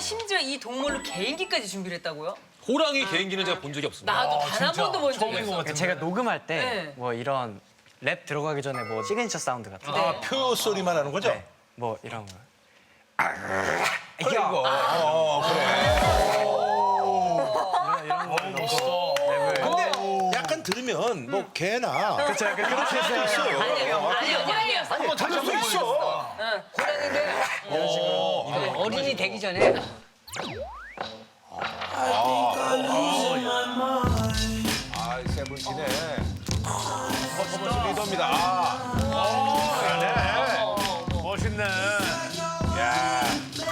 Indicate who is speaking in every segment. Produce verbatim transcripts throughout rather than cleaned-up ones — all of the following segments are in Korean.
Speaker 1: 심지어 이 동물로 개인기까지 준비를 했다고요?
Speaker 2: 호랑이 개인기는 제가 본 적이 없습니다.
Speaker 1: 나도 단 한 번도 본 적이
Speaker 3: 처음인 것
Speaker 1: 없어.
Speaker 3: 같은데.
Speaker 4: 제가 녹음할 때
Speaker 1: 네.
Speaker 4: 뭐 이런 랩 들어가기 전에 뭐 시그니처 사운드 같은 거,
Speaker 5: 아, 표 소리만 하는 거죠?
Speaker 4: 뭐 이런 거.
Speaker 5: 그래, 이거. 어, 그래.
Speaker 4: 이런 거 넣고 랩을.
Speaker 5: 근데 약간 들으면 뭐 개나
Speaker 4: 그렇죠. 약간 그렇게
Speaker 5: 할 수 있어요.
Speaker 1: 아니요, 아니요, 호랑이였어.
Speaker 5: 뭐 들을 수 있어.
Speaker 1: 응, 호랑인데
Speaker 4: 이런 식으로.
Speaker 6: 어린이 되기 전에
Speaker 5: 아, 세븐틴의 퍼포먼스 리더입니다. 아,
Speaker 3: 멋있네.
Speaker 5: 야.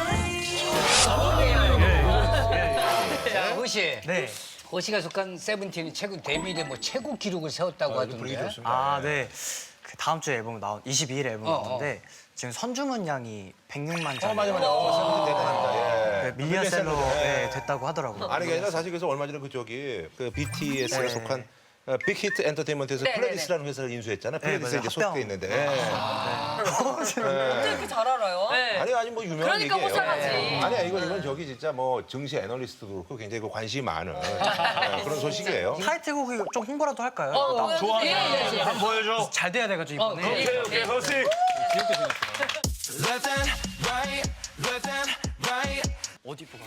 Speaker 6: 자, 호시.
Speaker 4: 네.
Speaker 6: 호시가 속한 세븐틴이 최고 데뷔 이래 뭐 최고 기록을 세웠다고
Speaker 5: 분위기
Speaker 6: 하던데.
Speaker 5: 좋습니다.
Speaker 4: 아, 네. 그 다음 주에 앨범 나온 이십이 일 앨범
Speaker 6: 어,
Speaker 4: 나오는데 지금 선주문 양이 백육만 장.
Speaker 5: 어, 맞아, 맞아. 어, 세븐틴 대단합니다. 예.
Speaker 4: 밀리언셀러
Speaker 5: 예.
Speaker 4: 네, 됐다고 하더라고요.
Speaker 5: 아니, 그게 아니라 사실 그래서 얼마 전에 그쪽이 그 비티에스에
Speaker 4: 네.
Speaker 5: 속한 어, 빅히트 엔터테인먼트에서
Speaker 1: 네,
Speaker 5: 플레디스라는 회사를 인수했잖아요. 플레디스에
Speaker 4: 맞아요.
Speaker 5: 이제
Speaker 4: 합병.
Speaker 5: 소속돼 있는데.
Speaker 1: 어떻게 이렇게 잘 알아요? 네.
Speaker 5: 아니 아니 뭐 유명한
Speaker 1: 그러니까
Speaker 5: 얘기예요.
Speaker 1: 호상하지.
Speaker 5: 아니야 이건 이건 저기 진짜 뭐 증시 애널리스트도 그렇고 굉장히 그 관심이 많은 네, 그런 소식이에요.
Speaker 4: 타이틀곡이 좀 홍보라도 할까요?
Speaker 1: 어,
Speaker 4: 나-
Speaker 1: 좋아. 예, 예, 예.
Speaker 3: 한번 보여줘.
Speaker 4: 잘 돼야 돼가지고 이번에.
Speaker 3: 오케이, 오케이, 서식.
Speaker 4: 어디 보고?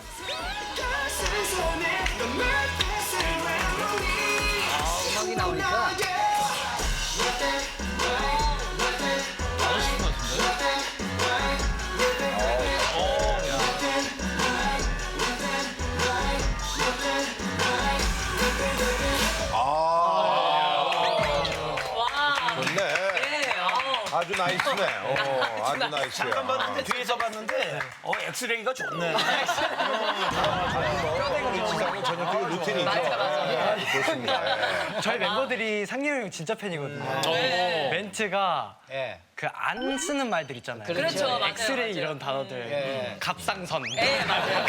Speaker 6: 음악이 나오니까.
Speaker 5: 좋네.
Speaker 1: 네, 어.
Speaker 5: 아주 나이스네. 어, 아주 나이스야.
Speaker 3: 잠깐 봤는데 뒤에서 봤는데 어 엑스레이가 좋네.
Speaker 5: 지상은 전형적인 루틴이죠. 네, 좋습니다. 예.
Speaker 4: 저희 멤버들이 상렬이 형 진짜 팬이거든요.
Speaker 1: 네.
Speaker 4: 멘트가
Speaker 6: 예.
Speaker 4: 그 안 쓰는 말들 있잖아요.
Speaker 1: 그렇죠, 맞아요,
Speaker 4: 엑스레이
Speaker 1: 맞아요.
Speaker 4: 이런 단어들.
Speaker 6: 예.
Speaker 4: 갑상선.
Speaker 1: 네, 맞아요.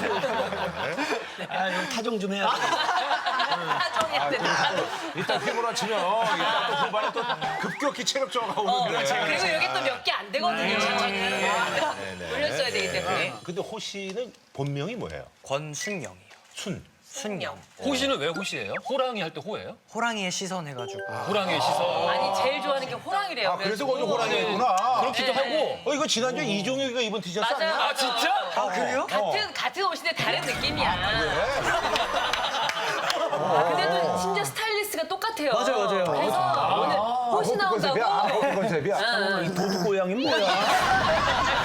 Speaker 3: 아, 형 타정 좀 해야 돼.
Speaker 1: 타정해야 된다.
Speaker 5: 일단 피부로 치면 일단 또 후반에 또 급격히 체력 저하가 오는데.
Speaker 1: 그리고 여기 또 몇 개 안 되거든요. 올려줘야 되기 때문에.
Speaker 5: 근데 호 씨는 본명이 뭐예요?
Speaker 4: 권순영이요.
Speaker 5: 순.
Speaker 4: 순영.
Speaker 2: 호시는 왜 호시예요? 호랑이 할 때 호예요?
Speaker 4: 호랑이의 시선 해가지고.
Speaker 2: 호랑이의 시선.
Speaker 1: 아니 제일 좋아하는 게 호랑이래요.
Speaker 5: 아 그래서 거기 호랑이구나.
Speaker 2: 그렇기도 하고.
Speaker 5: 어 이거 지난주에 이종혁이가 입은 티셔츠
Speaker 1: 맞아요.
Speaker 5: 아니야?
Speaker 2: 아 진짜?
Speaker 4: 아, 그래요?
Speaker 1: 같은 같은 옷인데 다른 느낌이야. 아, 근데 또 심지어 스타일리스트가 똑같아요.
Speaker 4: 맞아요, 맞아요.
Speaker 1: 그래서 오늘 호시 나온다고.
Speaker 5: 아, 그 컨셉이야.
Speaker 3: 이 도둑 고양이 뭐야?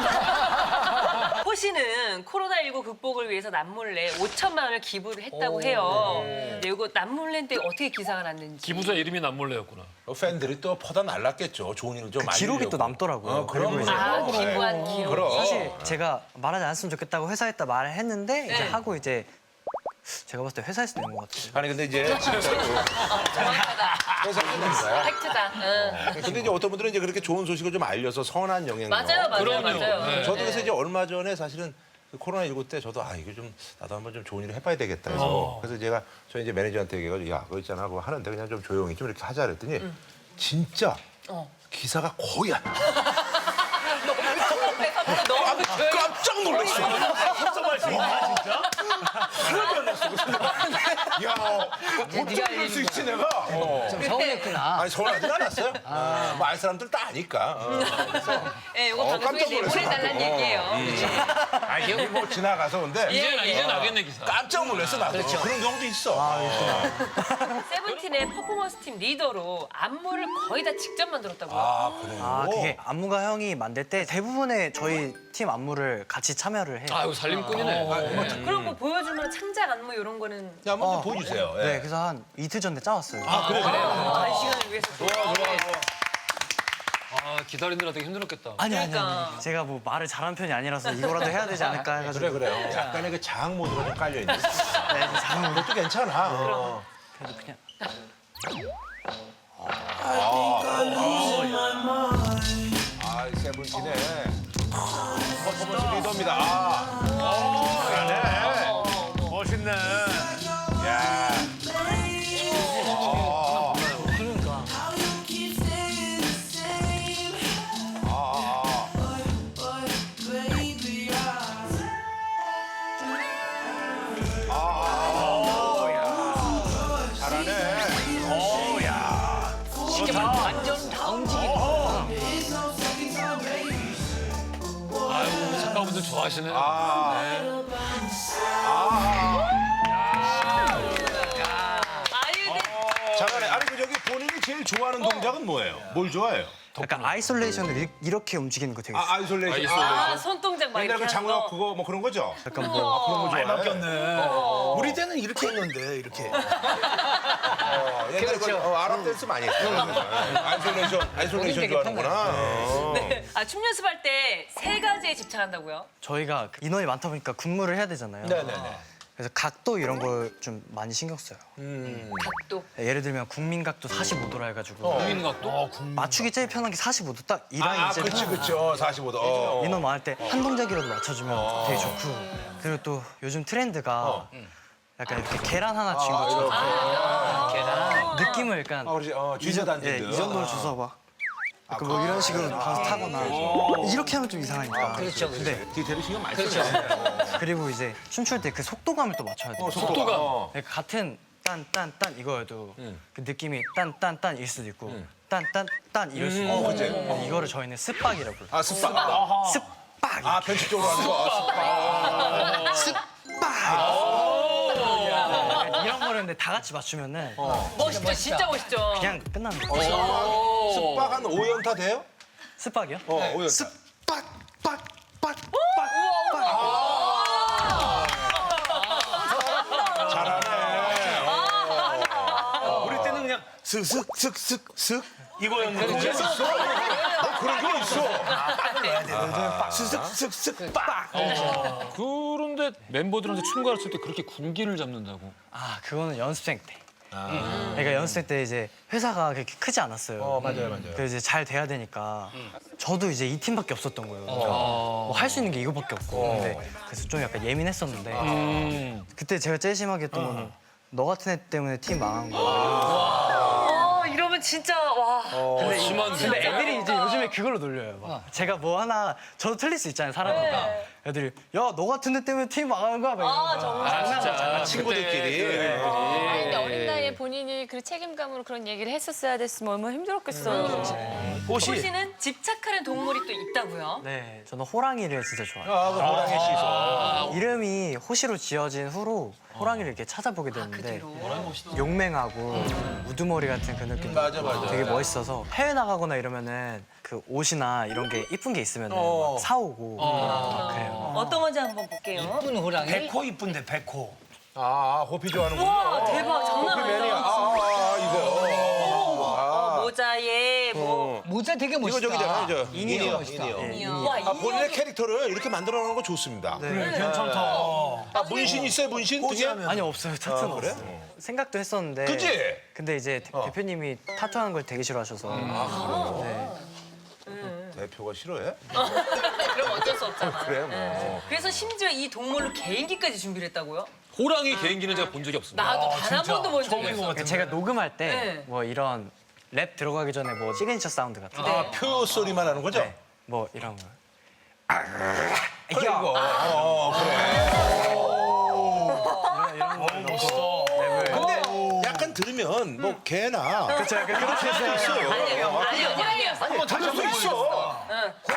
Speaker 1: 호시는 코로나십구 극복을 위해서 남몰래 오천만 원을 기부를 했다고 해요. 네, 이거 남몰래 때 어떻게 기사가 났는지.
Speaker 2: 기부자 이름이 남몰래였구나.
Speaker 5: 팬들이 또 퍼다 날랐겠죠. 좋은 일을 좀
Speaker 4: 그
Speaker 5: 많이
Speaker 4: 기록이 또 남더라고요.
Speaker 5: 어, 그럼
Speaker 4: 그리고 이제
Speaker 1: 아, 기부한 기록.
Speaker 5: 그럼.
Speaker 4: 사실 제가 말하지 않았으면 좋겠다고 회사에다 말을 했는데 이제
Speaker 1: 네.
Speaker 4: 하고 이제 제가 봤을 때 회사에서 낸 것 같아요.
Speaker 5: 아니 근데 이제 진짜로
Speaker 1: 정확하다.
Speaker 5: 회사입니다.
Speaker 1: 팩트다. 응.
Speaker 5: 근데 이제 어떤 분들은 이제 그렇게 좋은 소식을 좀 알려서 선한 영향력.
Speaker 1: 맞아요, 맞아요,
Speaker 2: 그럼요.
Speaker 1: 맞아요.
Speaker 2: 네.
Speaker 5: 저도 그래서 이제 얼마 전에 사실은 그 코로나십구 때 저도 아 이거 좀 나도 한번 좀 좋은 일을 해봐야 되겠다 해서 그래서 제가 저희 이제 매니저한테 얘기해가지고 야 그거 있잖아 그거 하는데 그냥 좀 조용히 좀 이렇게 하자 그랬더니 진짜 기사가 거의 안 나.
Speaker 1: 너무
Speaker 5: 깜짝 놀랐어.
Speaker 3: 합성할 수 있나 진짜?
Speaker 5: 하나도 안 났어. 야 어쩜
Speaker 6: 네가
Speaker 5: 그럴 수 있지 내가. 어.
Speaker 6: 좀 서운했구나.
Speaker 5: 아니 서운하진 않았어요. 뭐 알 사람들 다 아니까. 어.
Speaker 1: 예, 이거
Speaker 5: 어,
Speaker 1: 방송에
Speaker 5: 깜짝 놀랐어.
Speaker 1: 내보내달라는
Speaker 5: 어.
Speaker 1: 얘기예요.
Speaker 5: 아 이게 뭐 지나가서 근데
Speaker 2: 이제
Speaker 1: 예.
Speaker 2: 이제 나겠네 기사.
Speaker 5: 깜짝 놀랐어 나도. 그런 경우도 있어.
Speaker 1: 세븐틴의 퍼포먼스 팀 리더로 안무를 거의 다 직접 만들었다고요.
Speaker 5: 아 그래요.
Speaker 4: 아 그게 안무가 형이 만들 때 대부분의 저희 팀 안무를 같이 참여를 해요.
Speaker 2: 아유 살림꾼이네.
Speaker 1: 그럼 뭐 보여줄 만한 창작 안무 이런 거는
Speaker 5: 야, 한번 좀 보여주세요. 예.
Speaker 4: 네, 그래서 한 이틀 전에 짜왔어요.
Speaker 5: 아 그래 그래.
Speaker 1: 한 시간을 위해서.
Speaker 5: 좋아 좋아 좋아.
Speaker 2: 아 기다리느라 되게 힘들었겠다.
Speaker 4: 아니 아니
Speaker 1: 그러니까.
Speaker 4: 아니. 제가 뭐 말을 잘하는 편이 아니라서 이거라도 해야 되지 않을까 해가지고.
Speaker 5: 그래 그래. 약간의 그 자학 모드가 좀 깔려 있는.
Speaker 4: 네, 장은
Speaker 5: 그것도 괜찮아. 어.
Speaker 4: 그래도 그냥.
Speaker 5: 아 세븐틴의 퍼포먼스 리더입니다. 아. 그러네.
Speaker 3: 멋있네.
Speaker 5: 야. 아. 아.
Speaker 6: 이제 완전 다 움직이는.
Speaker 2: 아유, 우리 작가분들 좋아하시네.
Speaker 1: 아유, 네.
Speaker 5: 잠깐만, 아니 그 저기 본인이 제일 좋아하는 동작은 뭐예요? 뭘 좋아해요?
Speaker 4: 약간 아이솔레이션을 이- 이렇게 움직이는 거 되게
Speaker 5: 아, 아이솔레이션.
Speaker 2: 아이솔레이션.
Speaker 1: 아, 손동작 막
Speaker 5: 옛날
Speaker 1: 이렇게
Speaker 5: 그
Speaker 1: 하는
Speaker 5: 장우혁
Speaker 1: 거.
Speaker 5: 그거 뭐 그런 거죠?
Speaker 4: 약간 뭐
Speaker 5: 그런 거
Speaker 3: 많이
Speaker 5: 좋아해?
Speaker 3: 바뀌었네. 우리 때는 이렇게 했는데 이렇게.
Speaker 5: 어, 옛날에 그 어, 아랍 댄스 많이 했어. 아이솔레이션, 아이솔레이션
Speaker 6: 되게
Speaker 5: 좋아하는구나. 어.
Speaker 1: 네. 아, 춤 연습할 때 세 가지에 집착한다고요?
Speaker 4: 저희가 그 인원이 많다 보니까 근무를 해야 되잖아요.
Speaker 3: 네네네.
Speaker 4: 그래서 각도 이런 걸 좀 많이 신경 써요.
Speaker 1: 각도.
Speaker 4: 예를 들면 국민각도 사십오 도라 해가지고
Speaker 2: 국민각도?
Speaker 4: 맞추기 제일 편한 게 사십오 도 딱 이 라인이
Speaker 5: 아,
Speaker 4: 제일
Speaker 5: 그치,
Speaker 4: 편해요.
Speaker 5: 그치. 어, 사십오 도. 어.
Speaker 4: 인원 많을 때 한 동작이라도 맞춰주면 되게 좋고 그리고 또 요즘 트렌드가 약간 이렇게 계란 하나 쥔 것처럼
Speaker 6: 계란.
Speaker 4: 느낌을 약간
Speaker 5: 아, 그렇지. 어, 쥐젓
Speaker 4: 예,
Speaker 5: 앉은
Speaker 4: 이 정도로 줘서 막 약간 뭐 이런 식으로 가서 타거나 이렇게 하면 좀 이상하니까
Speaker 6: 그렇죠, 그렇죠.
Speaker 4: 근데
Speaker 5: 디테일 신경 많이
Speaker 6: 그렇죠.
Speaker 5: 쓰네.
Speaker 4: 그리고 이제 춤출 때 그 속도감을 또 맞춰야 돼요.
Speaker 2: 속도감.
Speaker 5: 어.
Speaker 4: 그러니까 같은 딴 딴 딴 이거여도 그 느낌이 딴 딴 딴일 수도 있고 딴 딴 딴 이럴 수도 있고 어, 이거를 저희는 습박이라고 불러요.
Speaker 5: 아, 습박.
Speaker 4: 습박
Speaker 5: 아, 변칙적으로 하는 거. 아, 습박.
Speaker 4: 이런 거를 근데 다 같이 맞추면은
Speaker 1: 멋있죠, 진짜 멋있죠.
Speaker 4: 그냥 끝나는 거예요.
Speaker 5: 습박 한 오 연타 돼요?
Speaker 4: 습박이요?
Speaker 5: 어, 오 연타.
Speaker 4: 습박 빡빡빡
Speaker 3: 우리 때는 그냥 슥슥슥슥슥 이거였는데.
Speaker 5: 어, 그런 게 있어.
Speaker 3: 슥슥슥슥 빡.
Speaker 2: 그런데 멤버들한테 춤 가르칠 때 그렇게 군기를 잡는다고.
Speaker 4: 아 그거는 연습생 때. 그러니까 연습생 때 이제 회사가 그렇게 크지 않았어요.
Speaker 5: 어, 맞아요, 맞아요.
Speaker 4: 그래서 이제 잘 돼야 되니까 저도 이제 이 팀밖에 없었던 거예요. 뭐 할 수 있는 게 이거밖에 없고. 근데 그래서 좀 약간 예민했었는데
Speaker 2: 음.
Speaker 4: 그때 제가 제일 심하게 했던 거는 너 같은 애 때문에 팀 망한 거야.
Speaker 1: 어, 이러면 진짜 와.
Speaker 4: 근데,
Speaker 2: 심한데.
Speaker 4: 근데 애들이 이제 요즘에 그걸로 놀려요. 막. 제가 뭐 하나 저도 틀릴 수 있잖아요, 사람이니까. 애들이 야 너 같은 애 때문에 팀 망한 거야. 막 이러면서.
Speaker 1: 정말.
Speaker 2: 아, 진짜.
Speaker 5: 친구들끼리.
Speaker 7: 아니, 근데 어린 나이에 본인이 그 책임감으로 그런 얘기를 했었어야 됐으면 얼마나 힘들었겠어요.
Speaker 3: 옷이.
Speaker 1: 호시는 집착하는 동물이 또 있다고요?
Speaker 4: 네, 저는 호랑이를 진짜 좋아해요.
Speaker 5: 아, 그 호랑이 씻어.
Speaker 4: 이름이 호시로 지어진 후로 호랑이를 이렇게 찾아보게 됐는데 용맹하고 우두머리 같은 그 느낌
Speaker 5: 맞아, 맞아.
Speaker 4: 되게 멋있어서 해외 나가거나 이러면은 그 옷이나 이런 게 이쁜 게 있으면은 막 사오고 막 그래요.
Speaker 1: 어떤 건지 한번 볼게요.
Speaker 6: 이쁜 호랑이.
Speaker 3: 백호 이쁜데 백호.
Speaker 5: 아, 호피 좋아하는군요.
Speaker 1: 와, 대박. 장난
Speaker 5: 호피 매니아.
Speaker 1: 아니다.
Speaker 5: 아, 아, 이거.
Speaker 1: 어, 모자에 뭐.
Speaker 6: 모자 되게
Speaker 5: 이거
Speaker 6: 멋있다.
Speaker 5: 저기잖아요, 저.
Speaker 6: 인이어.
Speaker 5: 인이어.
Speaker 1: 와,
Speaker 5: 아, 본인의
Speaker 1: 인형이-
Speaker 5: 캐릭터를 이렇게 만들어 놓는 거 좋습니다.
Speaker 3: 괜찮다.
Speaker 5: 아, 문신 있어요, 문신? 등에?
Speaker 3: 포즈하면.
Speaker 4: 아니 없어요, 타투는
Speaker 5: 아, 그래?
Speaker 4: 없어요. 생각도 했었는데
Speaker 5: 그치?
Speaker 4: 근데 이제 대- 대표님이 타투하는 걸 되게 싫어하셔서 네.
Speaker 5: 대표가 싫어해?
Speaker 1: 그럼 어쩔 수 없잖아.
Speaker 5: 그래, 뭐.
Speaker 1: 그래서 심지어 이 동물로 개인기까지 준비를 했다고요?
Speaker 2: 호랑이 개인기는 제가 본 적이 없습니다.
Speaker 1: 나도 단 한 번도 본 적이
Speaker 3: 처음인 것
Speaker 1: 없어.
Speaker 3: 같은데.
Speaker 4: 제가 녹음할 때
Speaker 1: 네.
Speaker 4: 뭐 이런 랩 들어가기 전에 뭐 시그니처 사운드 같은 거,
Speaker 5: 아, 표 소리만 하는 거죠?
Speaker 4: 뭐 이런 거.
Speaker 5: 그래, 이거. 어, 그래. 근데 약간 들으면 뭐 개나
Speaker 4: 그렇죠, 약간 그렇게 해서
Speaker 5: 있어요.
Speaker 1: 아니요, 호랑이였어.
Speaker 5: 한번 들을 수 있어.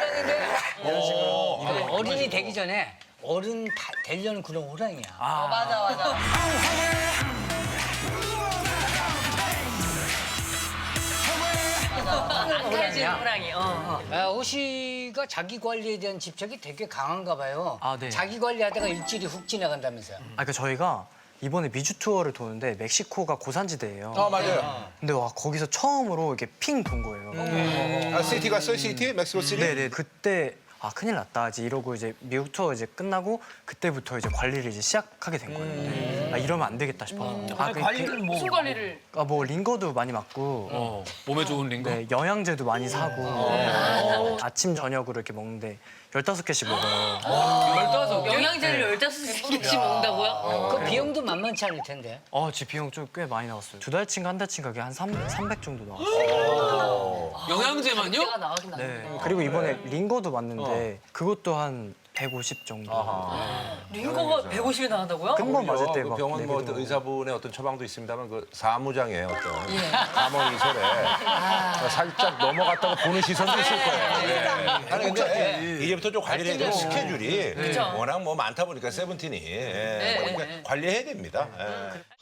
Speaker 6: 호랑인데 어른이 되기 전에 어른 다 되려는 그런 호랑이야.
Speaker 1: 어, 맞아, 맞아. 앙칼진 호랑이. 어.
Speaker 6: 아, 호시가 자기 관리에 대한 집착이 되게 강한가 봐요.
Speaker 4: 아, 네.
Speaker 6: 자기 관리하다가 일주일이 훅 지나간다면서요.
Speaker 4: 아, 그 저희가 이번에 미주 투어를 도는데 멕시코가 고산지대예요.
Speaker 5: 아, 맞아요.
Speaker 4: 근데 와 거기서 처음으로 이렇게 핑 돈 거예요.
Speaker 5: 아, 시티 갔어요, 시티? 멕시코 시티?
Speaker 4: 네네. 그때 아 큰일 났다. 이제 이러고 이제 미국 투어 이제 끝나고 그때부터 이제 관리를 이제 시작하게 된 거예요. 네. 아 이러면 안 되겠다 싶어. 아, 그,
Speaker 3: 관리를 뭐.
Speaker 1: 무슨 관리를?
Speaker 4: 아, 뭐 링거도 많이 맞고.
Speaker 2: 어, 몸에 좋은 링거.
Speaker 4: 네, 영양제도 많이 사고 네. 아침 저녁으로 이렇게 먹는데 열다섯 개씩 먹어요.
Speaker 2: 열다섯 개?
Speaker 1: 영양제를 열다섯 개씩 먹는다고요?
Speaker 6: 그 비용도 만만치 않을 텐데.
Speaker 4: 어, 제 비용 좀 꽤 많이 나왔어요. 두 달치인가 한 달치인가 그게 한 삼백 정도 나왔어요.
Speaker 2: 영양제만요?
Speaker 1: 내가 나가긴 나네.
Speaker 4: 네. 그리고 이번에 링거도 맞는데 그것도 한 백오십 정도.
Speaker 1: 링거가 백오십이 나간다고요?
Speaker 4: 한 번 맞을 때
Speaker 5: 그
Speaker 4: 막
Speaker 5: 병원 뭐
Speaker 4: 내비도
Speaker 5: 어떤 의사분의 어떤 처방도 있습니다만 그 사무장의 어떤 감원 이설에 살짝 넘어갔다가 보는 시선도 있을 거예요. 네. 아니 근데 이제부터 좀 관리를 해야 돼요. 스케줄이 워낙 뭐 많다 보니까 세븐틴이 예, 그러니까 관리해야 됩니다. 예.